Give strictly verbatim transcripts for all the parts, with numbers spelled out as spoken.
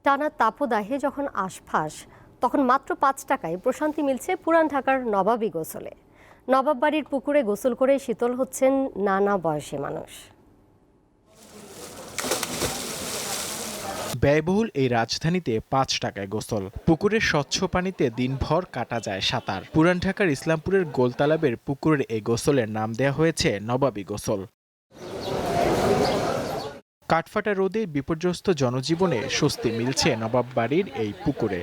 টানা তাপদাহে যখন আশফাস, তখন মাত্র পাঁচ টাকায় প্রশান্তি মিলছে পুরান ঢাকার নবাবী গোসলে। নবাব বাড়ির পুকুরে গোসল করে শীতল হচ্ছেন নানা বয়সী মানুষ। ব্যয়বহুল এই রাজধানীতে পাঁচ টাকায় গোসল, পুকুরের স্বচ্ছ পানিতে দিনভর কাটা যায় সাঁতার। পুরান ঢাকার ইসলামপুরের গোলতালাবের পুকুরের এই গোসলের নাম দেওয়া হয়েছে নবাবী গোসল। কাঠফাটা রোদে বিপর্যস্ত জনজীবনে স্বস্তি মিলছে নবাব বাড়ির এই পুকুরে।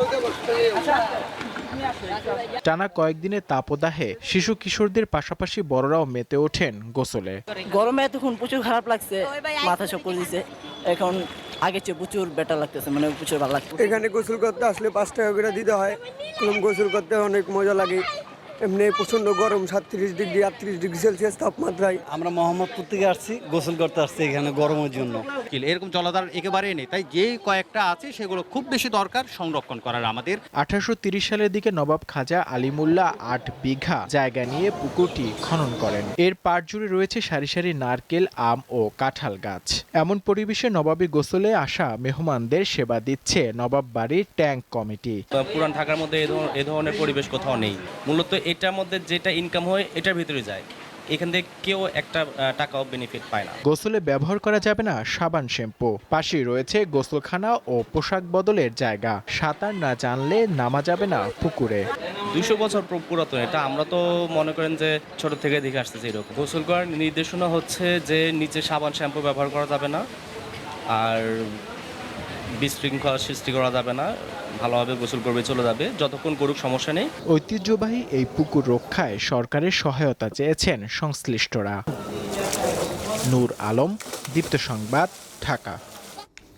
টানা কয়েকদিনের তাপদাহে শিশু কিশোরদের পাশাপাশি বড়রাও মেতে ওঠেন গোসলে। গরমে এতক্ষণ প্রচুর খারাপ লাগছে, মাথা সব করে দিছে। এখন আগে চেয়ে প্রচুর বেটার লাগতেছে, মানে প্রচুর ভালো লাগছে। এখানে গোসল করতে আসলে পাঁচ টাকা করে দিতে হয়। গোসল করতে অনেক মজা লাগে। এমনি প্রচন্ড গরম, সাতত্রিশ ডিগ্রি আটত্রিশ ডিগ্রি সেলসিয়াস তাপমাত্রায়। আমরা মোহাম্মদপুর থেকে আসছি, গোসল করতে আসছি এখানে গরমের জন্য। এরকম জলাধার একেবারেই নেই, তাই যে কয়েকটা আছে সেগুলো খুব বেশি দরকার সংরক্ষণ করার আমাদের। আঠারোশো তিরিশ সালের দিকে নবাব খাজা আলিমুল্লাহ আট বিঘা জায়গা নিয়ে পুকুরটি খনন করেন। এর পাড় জুড়ে রয়েছে সারি সারি নারকেল, আম ও কাঁঠাল গাছ। এমন পরিবেশে নবাবী গোসলে আসা মেহমানদের সেবা দিচ্ছে নবাব বাড়ির ট্যাঙ্ক কমিটি। পুরান ঢাকার মধ্যে এ ধরনের পরিবেশ কোথাও নেই। মূলত এটার মধ্যে যেটা ইনকাম হয় এটার ভিতরে যায়, এখান থেকে কেউ একটা টাকাও বেনিফিট পায় না। গোসলে ব্যবহার করা যাবে না সাবান, শ্যাম্পু। পাশেই রয়েছে গোসলখানা ও পোশাক বদলের জায়গা। সাঁতার না জানলে নামা যাবে না পুকুরে। দুইশো বছর পুরাতন এটা, আমরা তো মনে করেন যে ছোট থেকে দেখে আসতেছি এরকম। গোসল করার নির্দেশনা হচ্ছে যে নিচে সাবান শ্যাম্পু ব্যবহার করা যাবে না, আর বিশৃঙ্খলা সৃষ্টি করা যাবে না, ভালোভাবে গোসল করবে চলে যাবে, যতক্ষণ করুক সমস্যা নেই। ঐতিহ্যবাহী এই পুকুর রক্ষায় সরকারের সহায়তা চেয়েছেন সংশ্লিষ্টরা। নূর আলম, দীপ্ত সংবাদ, ঢাকা।